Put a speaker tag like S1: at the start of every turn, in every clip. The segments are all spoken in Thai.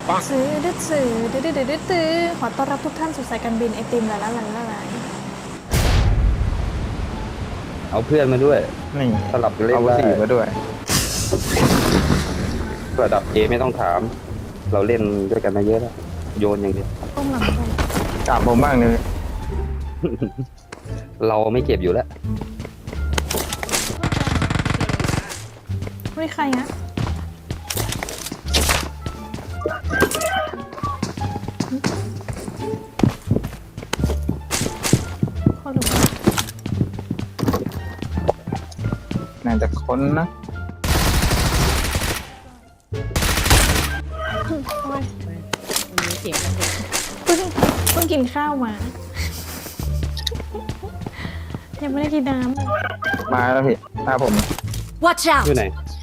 S1: ซื้อดื้อซื้อดื้อดื้อดื้อดื้อขอต้อนรับทุกท่านสู่สายการบินไอติมละละละละละ
S2: เอาเพื่อนมาด้วย
S3: นี่
S2: สลับกันเล่น
S3: เอา
S2: ได้
S3: สีมาด้วย
S2: ระดับเอไม่ต้องถาม เราเล่นด้วยกันมาเยอะแล้วโยนอย่างเดียว
S1: ต้มหลังต้ม
S3: ถามผมบ้างเลย
S2: เราไม่เก็บอยู่แล้ว
S1: ไม่ใครนะเขาดู
S3: น่าจะค้นนะ
S1: โอ้ย
S4: มีเสียงกันอยู่
S1: เพิ่งกินข้าวมา ยังไม่ได้กินน้ำเลย
S3: มาแล้วพี่หน้าผม
S5: Watch
S2: อยู่
S5: out!
S2: ไหน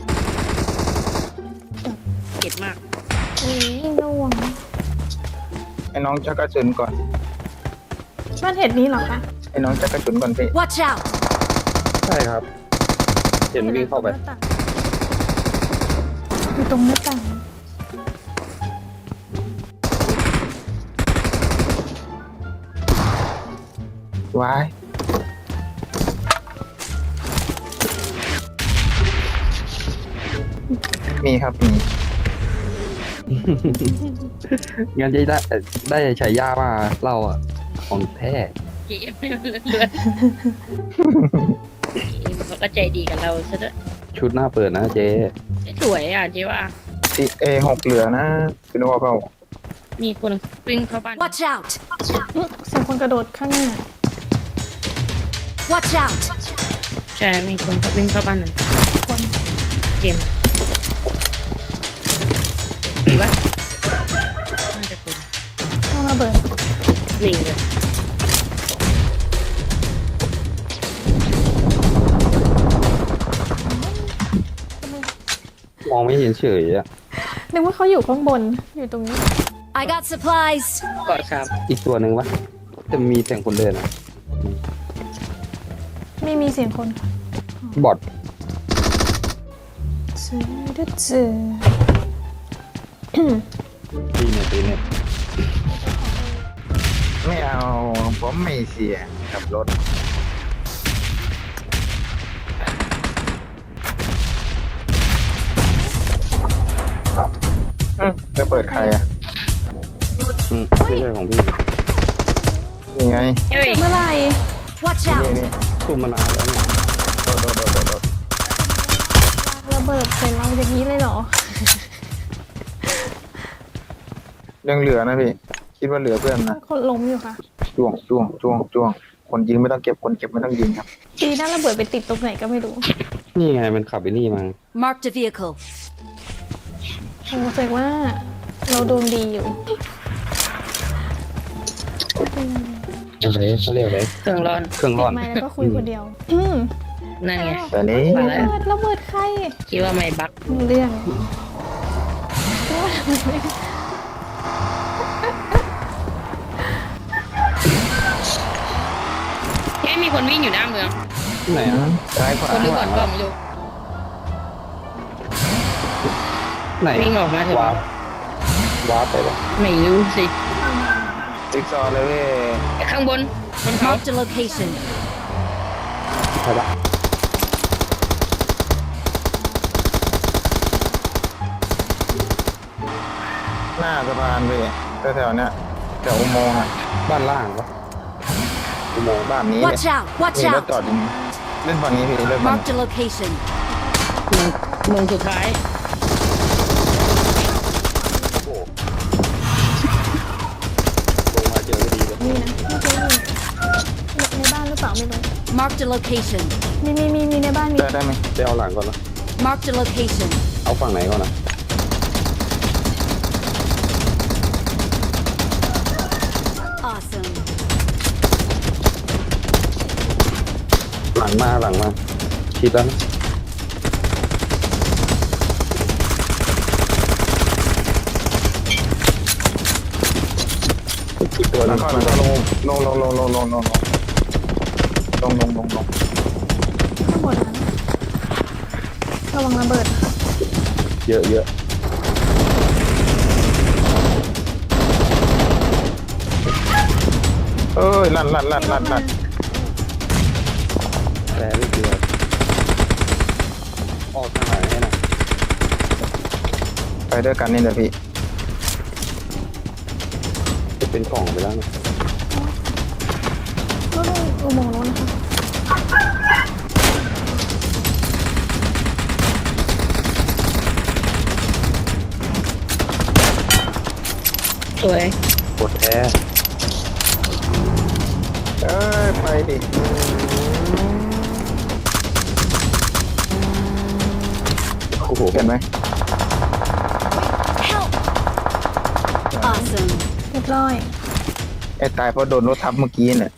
S4: เก็ดมาก
S1: อุ้ยระวัง
S3: ให้น้องจักกระสุนก่อน
S1: บ้านเห็ดนี้เหรอคะ
S3: ให้น้องจักกระสุนก่อนพี่
S5: Watch out!
S2: ใช่ครับ เห็นวิ่งเข้าไป
S1: อยู่ตรงหน้าต่าง
S3: ว้ายมีครับมี
S2: งั้นจะได้ฉายามาเราอ่ะ ของแท้
S4: เกมไม่เลือนเลือนเขาก็ใจดีกับเราซะด้วย
S2: ชุดหน้าเปิดนะเจ๊
S4: สวยอ่ะเจ๊ว่า
S3: อีเอ6เหลือนะพี่นึกว่าเขา
S4: มีคนวิ่งเข้าบ้าน
S5: Watch out!
S1: เสียงคนกระโดดข้างหน้า
S5: Watch out!
S4: ใช่มีคนวิ่งเข้าบ้านนั่น
S1: คน
S4: เกมดีปะน่าจะเป็น
S1: ต้องระเบิด
S4: หนีเลย
S2: มองไม่เห็นเฉยอ่ะ
S1: นึกว่าเขาอยู่ข้างบนอยู่ตรงนี้
S5: I got supplies!
S4: เกาะสาม
S2: อีกตัวหนึ่งวะจะมีเสียงคนเดินอ่ะ
S1: ไม่มีเสียงคนค่ะ
S2: บอด
S1: ซื้อดื้อซื้อ
S2: ตีเนี่ย
S3: ไม่เอาผมไม่เสียกับรถจะเปิดใครอ่ะ
S2: ไม่ใช่ของพี่
S3: ยังไง
S4: เฮ้ย
S1: เมื่อไหร่
S5: Watch
S3: นี่
S5: out!
S3: นี่
S2: คุมมานานแล้วเนี่ย
S3: โดด
S1: ระเบิดใส่เราอย่างนี้เลยเหรอ
S3: ยังเหลือนะพี่ คิดว่าเหลือเพื่อนนะ
S1: คนล้มอยู่ค่ะ
S3: จ้วงคนยิงไม่ต้องเก็บคนเก็บไม่ต้องยิงครับ
S1: ดีน่าระเบิดไปติดตรงไหนก็ไม่รู้
S2: นี่ไงมันขับไปนี่มา
S5: Marked a vehicle.
S1: โอ้แสดงว่าเราโดนดีอยู่
S2: อะไรเขาเรียกอะไร
S4: เครื่องร้อน
S2: เครื่องร้อน
S1: ไม่แล้วก็คุยคนเดียว
S4: นั่นไง
S3: แต่นี้
S4: มา
S1: ระ
S4: แล้ว
S1: เบิดระเบิดใคร
S4: คิดว่าไม่บัก
S1: เรื่อง
S4: เฮ้ยมีคนวิ่งอยู่หน้าเมือง
S2: ไหนอ่ะ
S3: ซ้ายขวา
S4: คนดูก่อนก็ไม่รู้
S2: ไหน
S4: วิ่งออกมาเถอะ
S2: วาร์ปไปปะ
S4: ไม่รู้สิ
S3: จิ๊กซอว์เลยเว้ย
S4: ข้างบนบนเขา
S5: Marked a location.
S2: ใช่ปะ
S3: หน้าสะพานพี่แถวๆเนี้ยแถวอุโมงค์อ่ะ
S2: บ้านล่างปะอุโมงค์
S3: บ้านนี้เนี่ย
S5: Watch out! Watch
S3: มีรถ
S5: out!
S3: จอดอยู่เล่นฝั่งนี้พี่เล่นฝั่ง
S5: Marked a location.
S4: เมืองสุดท้าย
S2: ลงมาเจอก็ดีเลย
S1: มีนะเมื่อกี้มีในบ้านหรือเปล่าไม่รู้
S5: Marked a location.
S1: มีในบ้านมี
S3: ได้ไหม
S2: ไปเอาหลังก่อนนะ
S5: Marked a location.
S2: เอาฝั่งไหนก่อนนะ
S5: Awesome.
S2: หลังมาชิดแล้วนะอีกตัวหนึ
S3: แล้ว
S2: ง
S3: ก็ลงลง
S1: ข้างบนนั้นระวังระเบิด
S2: เยอะ
S3: เอ้ยลั่น
S2: แต่ลูกเดียวออกทางไหนให้นะ
S3: ไปด้วยกันนี่แหละพี่
S2: จะเป็นกล่องไปแล้วนะ
S1: รถอุโมงค์รถนะคะ
S4: สวย
S2: กดแท้
S3: เอ้ยไปดิ
S2: โอ้โห
S3: เห็นไหม
S5: Awesome.
S1: เรียบร้อย
S3: ไอ้ตายเพราะโดนรถทับเมื่อกี้เนี่ย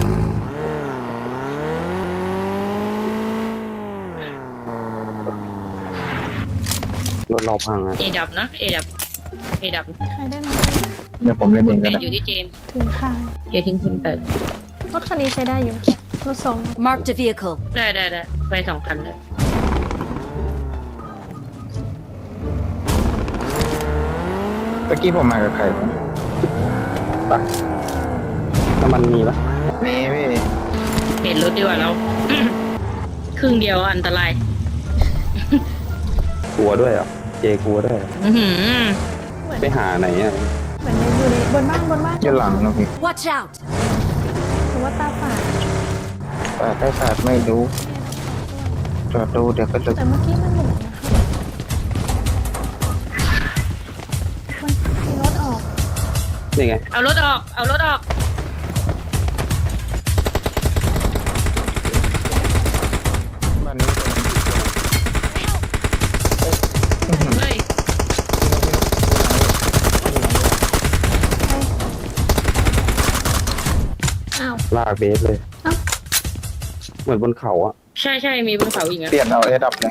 S2: รถเราพังอ่ะ
S4: เอดับนะเอดับ
S1: ใครได้ไหม
S3: เดี๋ยวผมเล่นเอง
S4: แต่
S3: กันนะ
S4: อยู่ที่เจน
S1: ถึงค่ะ
S4: เดี๋ยวทิ้งคุณเติร์
S1: รถคันนี้ใช้ได้อยู่รถสอง
S5: Marked a vehicle.
S4: ได้ไป2 คันเลย
S3: ตะกี้ผมมากับใครวะ
S2: ไปน้ำมันมีปะ
S3: นี่พี่
S4: เปลี่ยนรถดีกว่าเรา ครึ่งเดียวอันตราย
S2: กลัวด้วยอ่ะเจกลัวด้วย
S4: อื้อหือ
S2: ไปหาไหนอ่ะ
S1: เหมือนอยู่ในบนบ้าน
S3: อยู่หลังนะพี่
S5: Watch out.
S1: หรือว่าตาฝาด
S3: แต่ได้ศาสตร์ไม่รู้จอดดูเดี๋ยวก็จะ
S1: แต่เมื่อกี้มันหมุนนะคะมันมีรถออก
S2: นี่ไง
S4: เอารถออก
S3: บ้านนี้
S4: เฮ้ย
S1: อ้าว
S2: ลากเบสเลย
S1: เอ้า
S2: เหมือนบนเขาอ่ะ
S4: ใช่มีบนเขาอีกนะ
S3: เปลี่ยนเอาเอดับเลย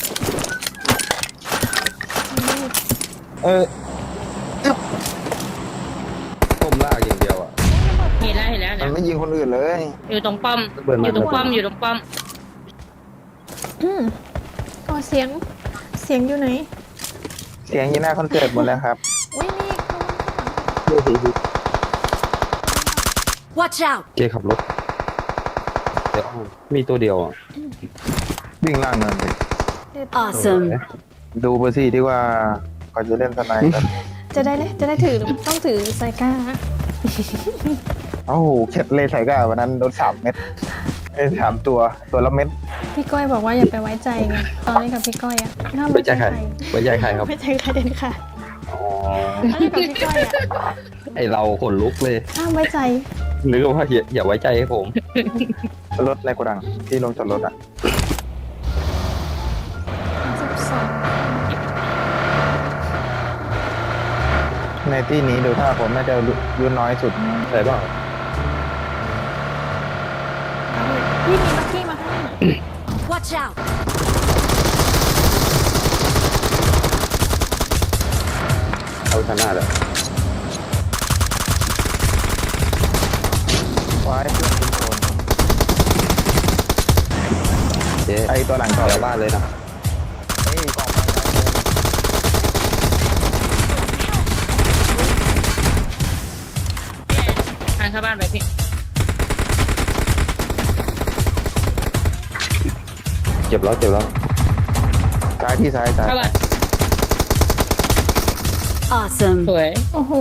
S3: เออ
S2: ก้มลากอย่างเดียวอ่ะ
S4: เห็นแล้ว
S3: มั
S4: เนี่
S3: น
S4: ย
S3: ไม่ยิงคนอื่นเลย
S4: อยู่ตรงป้อม
S2: เบิร์นมา
S4: อยู่ตรงป้อม
S1: อ๋อเสียงอยู่ไหน
S3: เสียงยีหน้าคอนเสิร์ตหมดแล้วครับ
S1: อุ้ยนี่
S5: Watch out.
S2: เจขับรถเดี๋ยวมีตัวเดียวอ่ะ
S3: วิ่งล่างเนินไป
S5: Awesome.
S3: ดูไปสิที่ว่าก่อนจะเล่นสไนด์กัน
S1: จะได้ถือต้องถือไซก้า
S3: เอ้าเข็ดเลยใส่ก้าวันนั้นโดน3 เม็ด3 ตัวละเม็ด
S1: พี่ก้อยบอกว่าอย่าไปไว้ใจไงตอนนี้กับพี่ก้อยอะห้าม
S2: ไว้ใจใครไว้ใจใครครับ
S1: ไม่ใจใครเด็ดค่ะ
S2: อ๋อ
S1: ตอนนี้กับพี่ก้อยอะ
S2: ไอเราขนลุกเลย
S1: ห้ามไว้ใจ
S2: นึกว่าอย่าไว้ใจให้ผม
S3: รถในโกดังที่ลงจอดรถอ่ะ
S1: 12
S3: ในที่นี้ดูถ้าผมน่าจะอายุน้อยสุด
S2: ใช่เปล่า
S1: พี่มีมักกี้มาให้
S5: Watch out.
S2: เอาชนะเลย
S3: ไว้เพื่อนทุกคน
S2: เจ๊
S3: ไอตัวหลังต่อ
S2: แถวบ้านเลยนะ
S3: ไอ้กองมาแล้ว
S4: ทางเข้าบ้านไปพี่
S2: เจ็บแล้ว
S3: ซ้ายที่ซ้าย
S4: เข้าบ้าน
S5: Awesome.
S4: สวย
S1: โอ้โห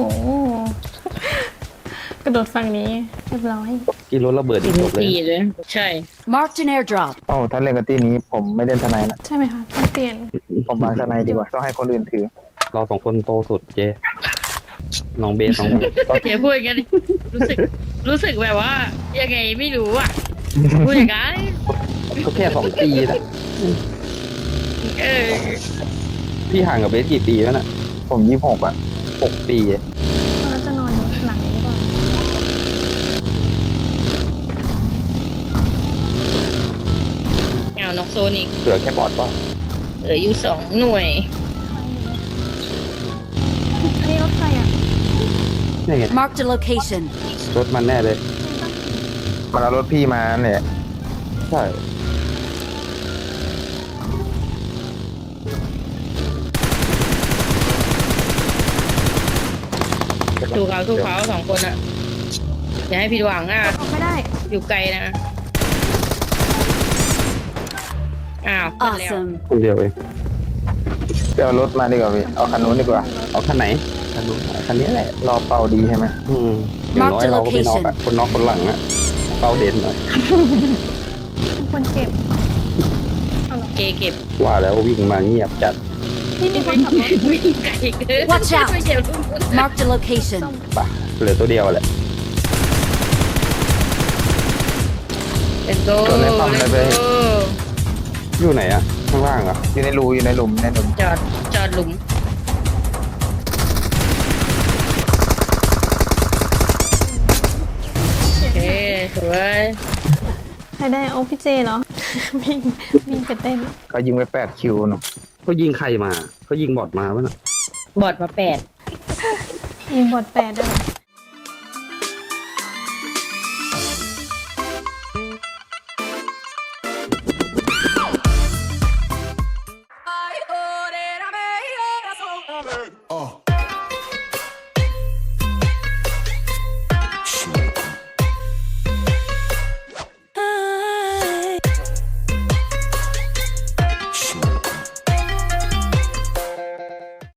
S1: กระโดดฝั่งนี้เรียบร้อย
S2: กินรถระเบิดอีกจบเลย
S4: ตีเลย ใช่
S5: Marked an airdrop.
S3: โอ้ถ้าเล่นกับที่นี้ผมไม่เล่นสไนด์นะ
S1: ใช่ไหมคะต้องเปลี่ยน
S3: ผมวางสไนด์ดีกว่าต้องให้คนอื่นถือ
S2: เราสองคนโตสุดเจ๊น้องเบสน้อง
S4: อย่าพูดอย่างนั้นรู้สึกแบบว่า ยังไงไม่รู้อ่ะ พูดอย่างนั้น
S2: ก็แค่2 ปีนะ
S4: เออ
S2: พี่ห่างกับเบสกี่ปีแล้วน่ะ
S3: ผม26อ่ะ
S2: 6 ปีอะ
S1: เราจะนอนหลังนี้ดีกว่า
S4: เอานกโซนิก
S2: เหลือแค่บอดป่ะ
S4: เหลืออยู่2 หน่วย
S1: อันนี้รถใครอ่ะ
S2: นี่ไง
S5: Marked a location.
S2: รถมันแน่เลย
S3: มันเอารถพี่มาเนี่ย
S2: ใช่
S4: ถูกเขา2 คนอ่ะ ในอย่าให้ผิดหวังอ่ะ
S1: ออกไม่ได้
S4: อยู่ไกลนะอ้าวขึ้นแล้ว
S5: Awesome.
S2: คนเดียวเอง
S3: ไปเอารถมาดีกว่าพี่เอาคันนู้นดีกว่า
S2: เอาคันไหนคันนู้นคันนี้แหละ
S3: รอเป่าดีใช่ไหม
S2: อย่างน้อยเราก็ไม่นอกอะคนนอกคนหลังอะเป้าเด่นหน่อย
S1: เป็นคนเก็บ
S4: เก็บ
S2: ว่าแล้ววิ่งมาเงียบจัด
S1: ที่มีคนขับรถ
S4: วิ่งไกลเกิน
S5: Watch out
S4: ไม่เจ็บลูก
S5: Marked a location.
S2: ปะเหลือตัวเดียวแหละ
S4: เลนโก้
S2: อยู่ไหนอะข้างล่างอะ
S3: อยู่ในรูอยู่ในหลุมในหลุม
S4: จอดหลุมโอเคสวย
S1: ใครได้โอพี่เจเหรอ วิ่งวิ่งไปเต้น
S3: เขายิงไป8 คิวหนู
S2: เขายิงใครมาเขายิงบอดมาปะน่ะ
S4: บอดมา8
S1: ยิงบอด8ด้วย
S6: Ay, ore, la mejor razón.